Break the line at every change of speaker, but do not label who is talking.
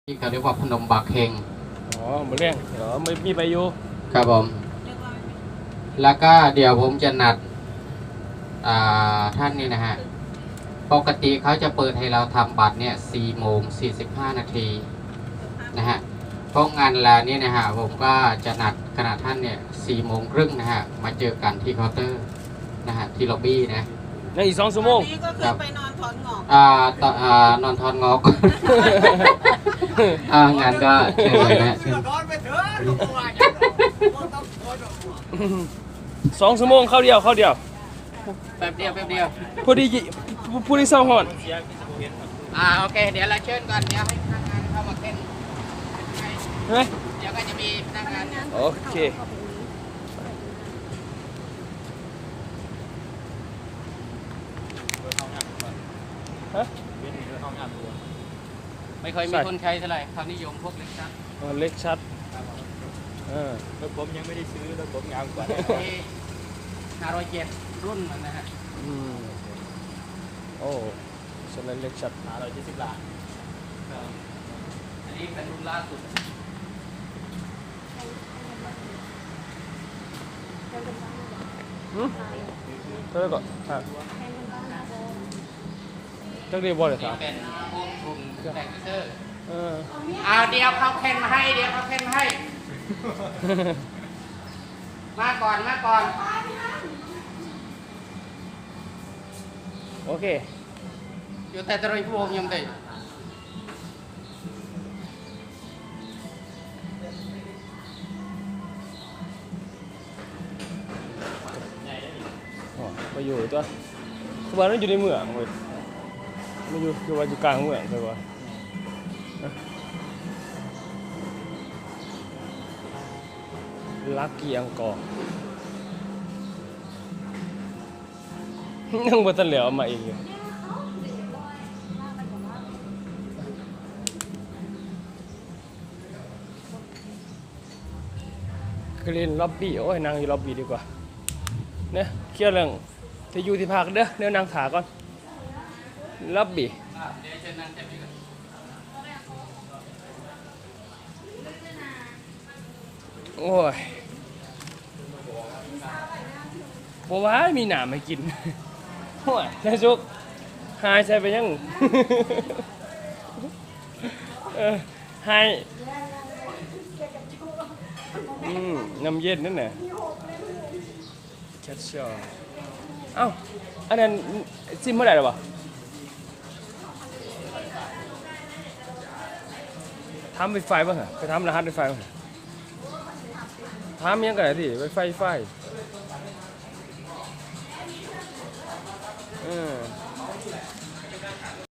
ที่เขาเรียกว่าพนมบากเฮง
อ๋อมาเลี้ยงเหรอไม่มีไปอยู่
ครับผมแล้วก็เดี๋ยวผมจะนัดท่านนี่นะฮะปกติเขาจะเปิดให้เราทำบัตรเนี่ย4:45 นาทีนะฮะเพราะงานแล้วนี่นะฮะผมก็จะนัดขณะท่านเนี่ย4:30นะฮะมาเจอกันที่เคาน์เตอร์นะฮะที่ล็อบบี้นะ
ยังอีก2 ชั่วโมง
นี่ก็คือไปนอนถอนงอก
นอนทอนงอกงานก็เชิญเลยนะ
2 ชั่วโมงเข้าเดียว
แป๊บเดียว
พอดีผู้ที่เศร้าหอน
โอเคเดี๋ยวเราเชิญก่อนเดี๋ยวให้พนักงานเข้ามาเต้น
ใช่ไหม
เดี๋ยวก็จะมีพนักงาน
โอเคฮะ
ไม่ค่อยมีคนใช้เท่าไหร่ความนิยมพวกเล็กชัด
เล็กชัด
แล้วผมยังไม่ได้ซื้อแล้วผมงามกว่า
507รุ่นมันนะฮะ
โอ้สไลด์เล็กชัด
570 ล้าน
อันนี้เป็นรุ่นล่าสุด
เท่าไหร่ก่อนจักรีบอลเลยครับ
เป็นพวกกลุ่มแท็กเตอร์เดี๋ยวเขาเค้นมาให้มาก่อน
โอเค
อยู่แต่ตรงพวกยังได้
ไปอยู่ตัวคือว่านั่นอยู่ในเมืองเว้ยไม่อยู่คือว่าอยู่กลางเมืองเลยว่าลักกี้อังกอร์ยังบ่ทันเหลียวมาเองอยู่กรีนล็อบบี้โอ้ยนั่งอยู่ล็อบบี้ดีกว่าเนี่ยเคลียร์เรื่องที่อยู่ที่พักเด้อเดี๋ยวนั่งถาก่อนล็อบบี้โอ้ยบัวว่ามีหนามให้กินโอ้ยนายจุกหายใช่ไปยังหายน้ำเย็นนั่นน่ะแคชชั่นเอ้าอันนั้นซิมเมื่อไหร่หรอวะทำไวไฟบ้างเหรอไปทำรหัสไวไฟบ้างทำยังไงที่ไวไฟ